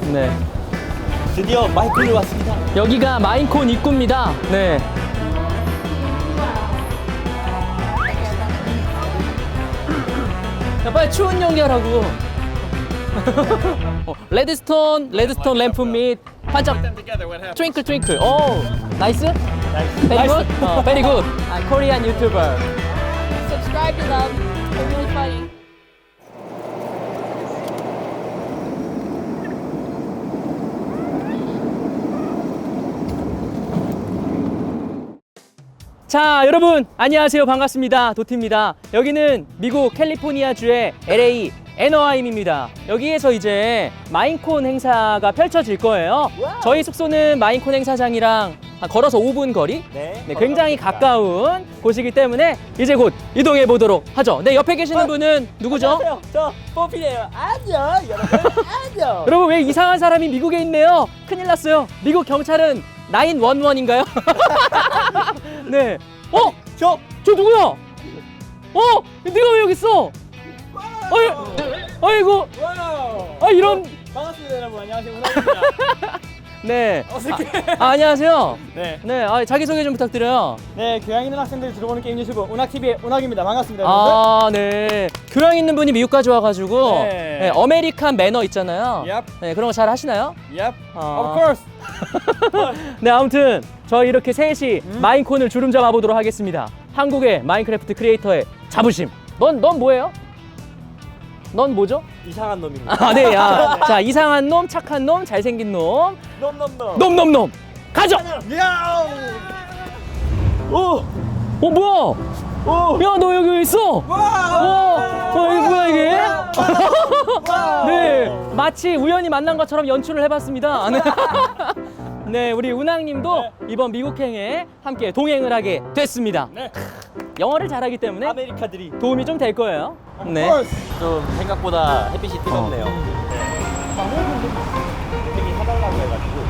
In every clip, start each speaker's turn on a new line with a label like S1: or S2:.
S1: 네.
S2: 드디어 마이콘을 왔습니다.
S1: 여기가 마인콘 입구입니다. 네. 야, 빨리 추운 연기하라고. 레드스톤 램프 및 반짝 트윙클 트윙클. 오, 나이스? Very good? Very good. Korean YouTuber.
S3: Subscribe to them. They're really funny.
S1: 자, 여러분 안녕하세요. 반갑습니다. 도티입니다. 여기는 미국 캘리포니아주의 LA 애너하임입니다. 여기에서 이제 마인콘 행사가 펼쳐질 거예요. 저희 숙소는 마인콘 행사장이랑 걸어서 5분 거리?
S2: 네.
S1: 네, 굉장히 가까운 곳이기 때문에 이제 곧 이동해 보도록 하죠. 네, 옆에 계시는 분은 누구죠?
S2: 안녕하세요. 저 뽀피예요. 안녕, 여러분. 안녕.
S1: 여러분, 왜 이상한 사람이 미국에 있네요? 큰일 났어요. 미국 경찰은 911인가요? 네.
S2: 저
S1: 저 누구야? 네가 왜 여기 있어? 아이고.
S2: 와우.
S1: 이런.
S2: 반갑습니다, 여러분. 안녕하세요. 운항입니다.
S1: 네.
S2: 어색해.
S1: 안녕하세요.
S2: 네.
S1: 네, 자기소개 좀 부탁드려요.
S2: 네, 교양 있는 학생들이 들어보는 게임 유튜브 운학TV의 운학입니다. 반갑습니다, 여러분들.
S1: 네. 교양 있는 분이 미국까지 와가지고
S2: 네.
S1: 네, 어메리칸 매너 있잖아요.
S2: Yep.
S1: 네, 그런 거 잘 하시나요?
S2: Yep.
S1: 아.
S2: Of course.
S1: 네, 아무튼 저희 이렇게 셋이 마인콘을 주름 잡아 보도록 하겠습니다. 한국의 마인크래프트 크리에이터의 자부심. 넌 뭐예요? 넌 뭐죠?
S2: 이상한 놈입니다.
S1: 네, 자, 이상한 놈, 착한 놈, 잘생긴 놈,
S2: 놈.
S1: 놈. 가죠.
S2: 야우. 오.
S1: 뭐야?
S2: 오.
S1: 야, 너 여기 왜 있어? 이거 뭐야 이게? 네, 마치 우연히 만난 것처럼 연출을 해봤습니다. 네, 우리 운항님도 이번 미국행에 함께 동행을 하게 됐습니다.
S2: 네.
S1: 영어를 잘하기 때문에
S2: 아메리카들이
S1: 도움이 좀 될 거예요. 네.
S2: 좀 생각보다 햇빛이 뜨겁네요. 되게 사달라고 해가지고.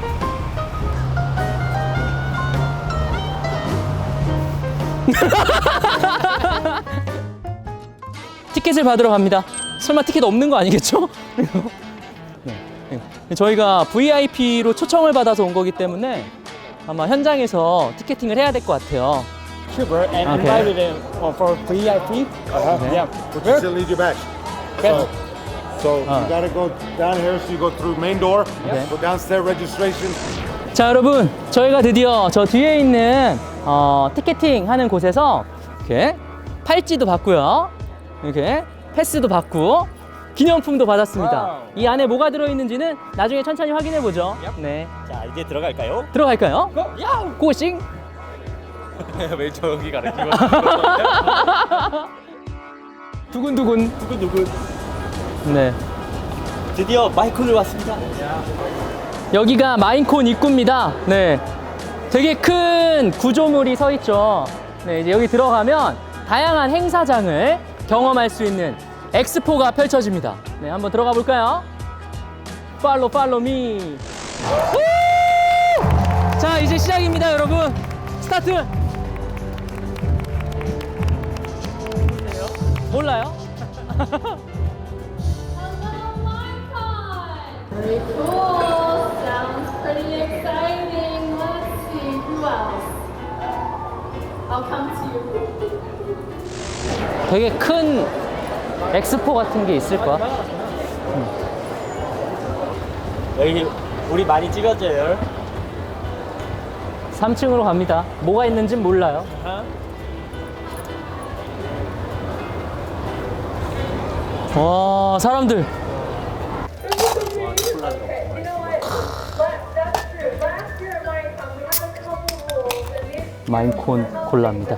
S1: 티켓을 받으러 갑니다. 설마 티켓 없는 거 아니겠죠? 네. 저희가 VIP로 초청을 받아서 온 거기 때문에 아마 현장에서 티켓팅을 해야 될 것 같아요.
S2: YouTuber and
S1: Okay.
S2: invited him for VIP. Yeah.
S4: But you still need your badge. So you gotta go down here. So you go through main door.
S1: Okay.
S4: Go downstairs registration.
S1: 자, 여러분, 저희가 드디어 저 뒤에 있는 티켓팅 하는 곳에서 이렇게 팔찌도 받고요. 이렇게 패스도 받고 기념품도 받았습니다.
S2: 와우.
S1: 이 안에 뭐가 들어있는지는 나중에 천천히 확인해 보죠. 네,
S2: 자, 이제 들어갈까요?
S1: 들어갈까요?
S2: 야우.
S1: 고싱.
S2: 왜 저기 가르치고?
S1: 두근두근.
S2: 누구?
S1: 네,
S2: 드디어 마이콘을 왔습니다.
S1: 여기가 마인콘 입구입니다. 네, 되게 큰 구조물이 서 있죠. 네, 이제 여기 들어가면 다양한 행사장을 경험할 수 있는 엑스포가 펼쳐집니다. 네, 한번 들어가 볼까요? 팔로우 미. 자, 이제 시작입니다, 여러분. 스타트. 몰라요?
S3: Very cool. Sounds pretty exciting. Let's see who else. I'll come to you.
S1: 되게 큰 엑스포 같은 게 있을 거야.
S2: 여기 우리 많이 찍어줘요.
S1: 3층으로 갑니다. 뭐가 있는진 몰라요. 와, 사람들. 마인콘 콜라입니다.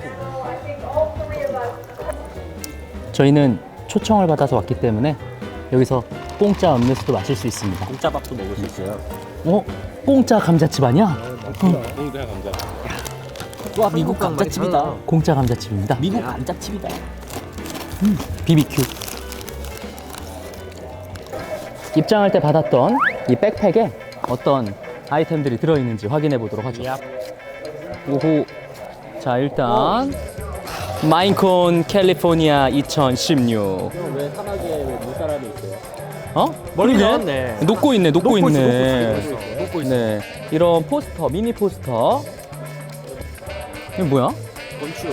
S1: 저희는 초청을 받아서 왔기 때문에 여기서 공짜 음료수도 마실 수 있습니다.
S2: 공짜 밥도 먹을 수 있어요.
S1: 공짜 감자칩 아니야?
S2: 공짜 감자. 와, 미국 감자칩이다.
S1: 공짜 감자칩입니다.
S2: 미국 감자칩이다.
S1: BBQ. 입장할 때 받았던 이 백팩에 어떤 아이템들이 들어있는지 확인해 보도록 하죠. 오호. 자, 일단 마인콘 캘리포니아 2016.
S2: 왜 사막에 왜 눈사람이 있어요?
S1: 어?
S2: 멀리
S1: 그러게.
S2: 나왔네.
S1: 녹고 있네, 녹고
S2: 있어,
S1: 있네.
S2: 녹고 있어.
S1: 네, 이런 포스터, 미니 포스터. 이게 뭐야?
S2: 건축.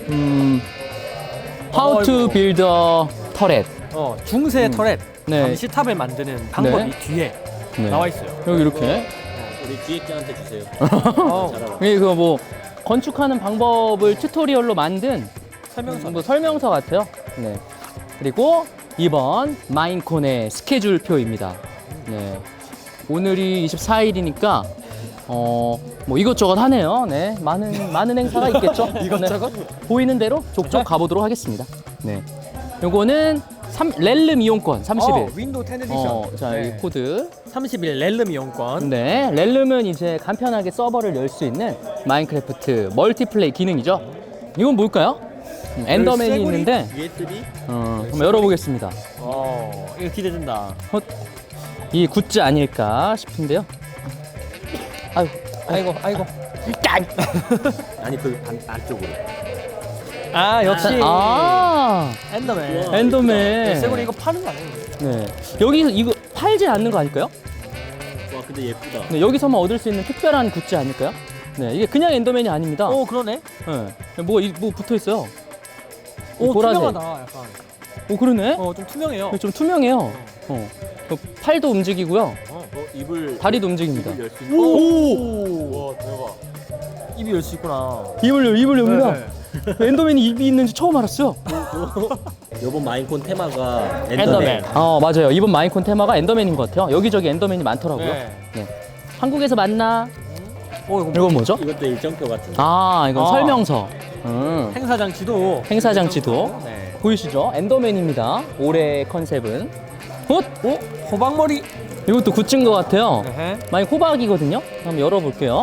S1: How to
S2: 아이고.
S1: build a turret.
S2: 중세 터렛.
S1: 네.
S2: 감시탑을 만드는 방법이
S1: 네.
S2: 뒤에
S1: 네.
S2: 나와 있어요.
S1: 여기 이렇게.
S5: 우리 기획자한테 주세요.
S1: 이게 그 뭐 건축하는 방법을 튜토리얼로 만든
S2: 설명서.
S1: 뭐 설명서 같아요. 네. 그리고 이번 마인콘의 스케줄표입니다. 네. 오늘이 24일이니까 뭐 이것저것 하네요. 네. 많은 행사가 있겠죠.
S2: 이것저것?
S1: 네. 보이는 대로 족족 가보도록 하겠습니다. 네. 요거는 렐름 이용권 30일.
S2: 윈도우 10 에디션.
S1: 자,
S2: 네.
S1: 이 코드.
S2: 30일 렐름 이용권.
S1: 네, 렐름은 이제 간편하게 서버를 열 수 있는 마인크래프트 멀티플레이 기능이죠. 이건 뭘까요? 엔더맨이
S2: 쇠고리?
S1: 있는데
S5: USB?
S1: 한번 열어보겠습니다.
S2: 이거 기대된다.
S1: 이 굿즈 아닐까 싶은데요. 아이고.
S5: 아니 그 안쪽으로.
S2: 역시. 엔더맨.
S1: 엔더맨.
S2: 쇠고리 이거 파는 거 아니에요?
S1: 네, 여기서 이거 팔지 않는 거 아닐까요?
S5: 와 근데 예쁘다.
S1: 네, 여기서만 얻을 수 있는 특별한 굿즈 아닐까요? 네, 이게 그냥 엔더맨이 아닙니다.
S2: 그러네.
S1: 네, 뭐 붙어 있어요. 보라색.
S2: 투명하다, 약간.
S1: 그러네.
S2: 좀 투명해요.
S1: 좀 투명해요. 그 팔도 움직이고요.
S5: 입을
S1: 다리도 움직입니다.
S5: 열 수 있는.
S2: 와, 대박. 입이 열 수 있구나.
S1: 입을 엽니다.
S2: 네.
S1: 엔더맨이 입이 있는지 처음 알았어요.
S5: 이번 마인콘 테마가
S2: 엔더맨.
S1: 맞아요. 이번 마인콘 테마가 엔더맨인 것 같아요. 여기저기 엔더맨이 많더라고요.
S2: 네.
S1: 네. 한국에서 만나. 이건 뭐죠?
S5: 이것도 일정표 같은데.
S1: 이건 설명서.
S2: 행사장 지도.
S1: 행사장 지도.
S2: 네.
S1: 보이시죠? 엔더맨입니다. 올해 컨셉은.
S2: 호박머리.
S1: 이것도 굿즈인 것 같아요.
S2: 네.
S1: 만약 호박이거든요. 한번 열어볼게요.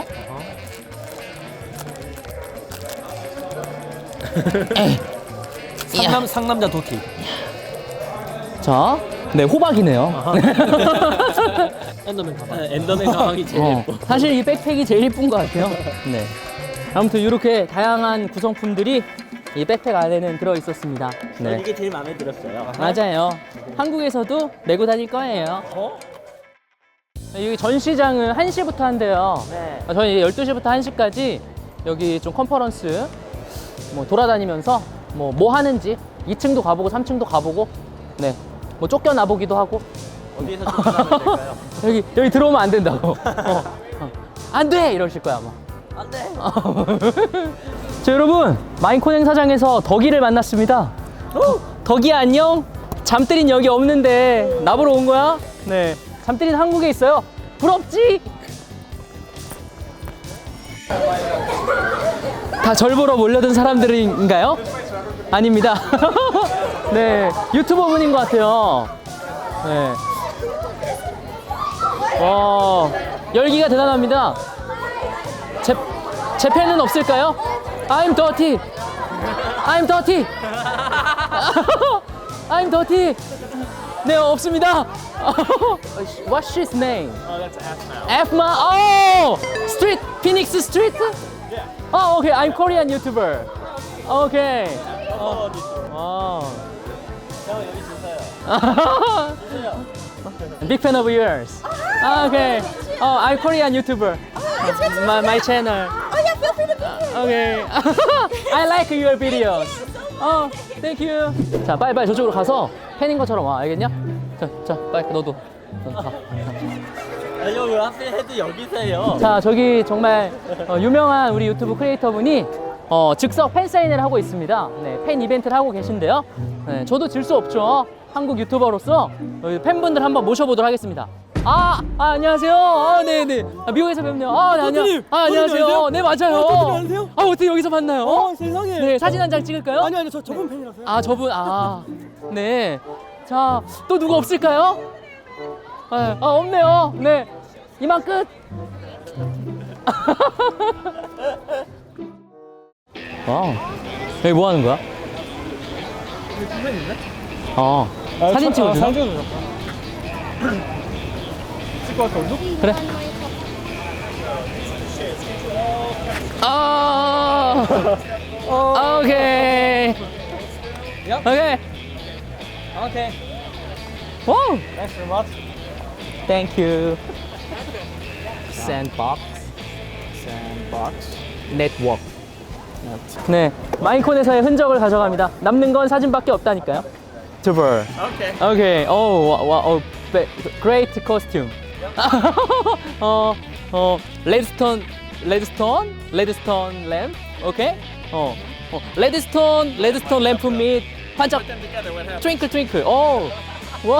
S2: 상남자 도티.
S1: 자, 네, 호박이네요.
S2: 엔더맨 가방.
S5: 엔더맨 가방이 제일 예뻐.
S1: 사실 이 백팩이 제일 예쁜 것 같아요. 네. 아무튼 이렇게 다양한 구성품들이 이 백팩 안에는 들어 있었습니다. 네.
S5: 이게 제일 마음에 들었어요.
S1: 맞아요. 한국에서도 메고 다닐 거예요. 여기 전시장은 1시부터 한대요.
S2: 네.
S1: 저희 12시부터 1시까지 여기 좀 컨퍼런스 뭐 돌아다니면서 뭐 하는지 2층도 가보고 3층도 가보고 네. 뭐 쫓겨나 보기도 하고
S5: 어디에서 쫓겨나면 될까요?
S1: 여기 들어오면 안 된다고. 안 돼! 이러실 거야, 아마.
S2: 안 돼.
S1: 자, 여러분. 마인콘 행사장에서 덕이를 만났습니다. 덕이야, 안녕? 잠들인 여기 없는데 나보러 온 거야? 네. 잠들인 한국에 있어요. 부럽지? 다 절 보러 몰려든 사람들인가요? 아닙니다. 네. 유튜버 분인 것 같아요. 네. 열기가 대단합니다. 제 팬은 없을까요? I'm dirty. I'm dirty. I'm dirty. 네, 없습니다. What's his name?
S2: that's F now.
S1: Fma. Street. Phoenix Street? Yeah. Okay. I'm Korean YouTuber. Okay. Big fan of yours. Okay. I'm Korean YouTuber. My channel.
S6: Oh yeah, feel free to be here.
S1: Okay. I like your videos. Thank you. 자, 빨리 저쪽으로 가서 팬인 것처럼 와, 알겠냐? 자, 빨리 너도 가.
S5: 아니요 왜 하필 해도 여기서요?
S1: 자, 저기 정말 유명한 우리 유튜브 크리에이터 분이 즉석 팬 사인회를 하고 있습니다. 네, 팬 이벤트를 하고 계신데요. 네, 저도 질 수 없죠. 한국 유튜버로서 팬분들 한번 모셔보도록 하겠습니다. 안녕하세요. 네네. 미국에서 뵙네요. 네,
S2: 도티님,
S1: 안녕하세요.
S2: 도티님
S1: 네, 맞아요.
S2: 도티님 아세요?
S1: 어떻게 여기서 만나요?
S2: 세상에.
S1: 네, 사진 한 장 찍을까요?
S2: 아니요, 저분 팬이라서요.
S1: 저분, 네. 자, 또 누가 없을까요? 없네요. 네. 이만 끝. 와, 여기 뭐 하는 거야? 사진 찍어줘.
S2: 사진 찍어줘. 찍고 갈까, 우리도?
S1: 그래. Okay.
S2: Yep.
S1: Okay.
S2: Okay.
S1: Whoa.
S2: Thanks very much.
S1: Thank you. Sandbox
S2: Sandbox.
S1: Network. 네, 마인콘에서의 흔적을 가져갑니다. 남는 건 사진밖에 없다니까요. Tuber.
S5: Okay.
S1: Okay. Oh, wow. Great costume. Redstone lamp. Okay. Redstone lamp 및 반짝.
S5: Put them together. What happened?
S1: Twinkle. Oh. 와.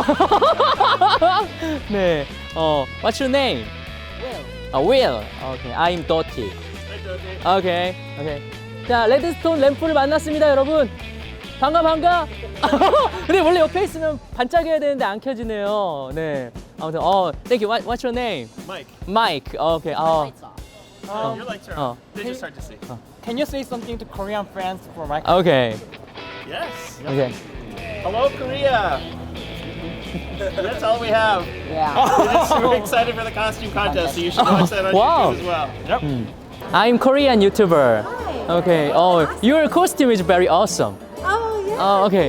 S1: 네. What's your name? Will. Okay. I'm Dottie. Okay. 자, 레드스톤 램프를 만났습니다, 여러분. 반가. 근데 원래 옆에 있으면 반짝여야 되는데 안 켜지네요. 네. 아무튼 thank you. What's your name? Mike. Okay.
S5: Your lights are on. They just start to see.
S2: Can you say something to Korean friends for Mike?
S1: Okay.
S5: Yes.
S1: Okay.
S5: Hello, Korea. That's all we have.
S2: Yeah.
S5: We're excited for the costume contest, so you should watch that on
S1: Wow.
S5: YouTube as well.
S2: Yep.
S1: I'm Korean YouTuber. Okay. Your costume is very awesome.
S6: Oh, yeah.
S1: Okay.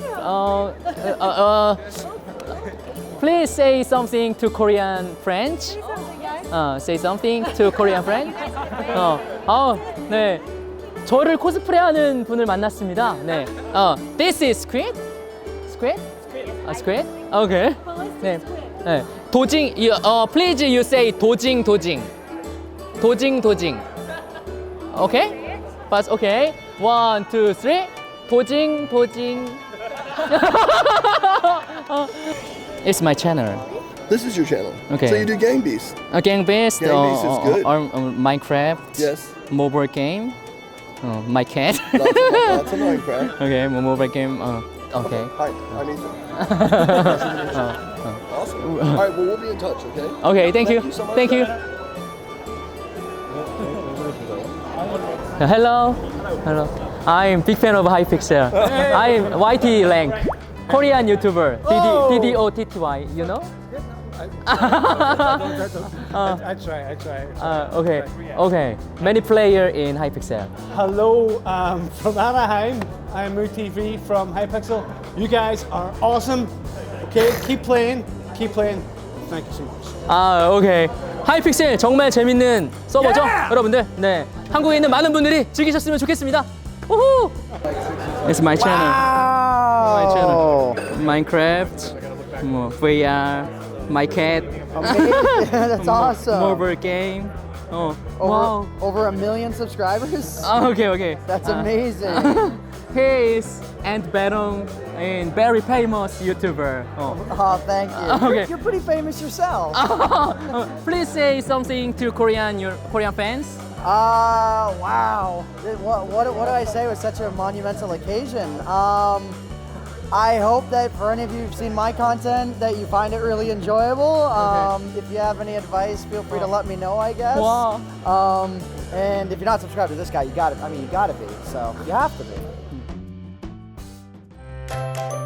S1: Please say something to Korean friends. Say something to Korean friends. 네. 저를 코스프레하는 분을 만났습니다. 네. This is Squid? Squid? Okay. 네. 네. 도징. Please you say 도징. Okay? But okay. 1, 2, 3. 도징. It's my channel.
S7: This is your channel.
S1: Okay.
S7: So you do Game Beast.
S1: Gang based.
S7: Gang based is good.
S1: Minecraft.
S7: Yes.
S1: Mobile game. My cat.
S7: Lots of Minecraft.
S1: Okay, mobile game. Okay.
S7: Hi, I'm Ethan. Awesome. All right, well, we'll be in touch, okay?
S1: Okay, thank you.
S7: so much.
S1: Thank you. Hello. I'm big fan of Hypixel. I'm YT Rank, Korean YouTuber. DDOTTY. You know?
S2: I try.
S1: Okay. Many player in Hypixel.
S2: Hello, from Anaheim. I'm MooTV from Hypixel. You guys are awesome. Okay, keep playing. Thank you so much.
S1: 오케이. 하이픽셀 정말 재밌는 서버죠, 여러분들. 네, 한국에 있는 많은 분들이 즐기셨으면 좋겠습니다. 우후! It's my channel. My channel. Minecraft, VR, my cat,
S6: That's awesome.
S1: mobile game. Wow.
S6: Over 1 million subscribers?
S1: Okay.
S6: That's amazing.
S1: He is Ant Venom and very famous YouTuber.
S6: Oh, thank you.
S1: Okay.
S6: You're pretty famous yourself.
S1: Please say something to your Korean fans.
S6: Wow. What do I say with such a monumental occasion? I hope that for any of you who've seen my content that you find it really enjoyable. If you have any advice, feel free to let me know, I guess.
S1: Wow.
S6: And if you're not subscribed to this guy, you gotta be. So you have to be.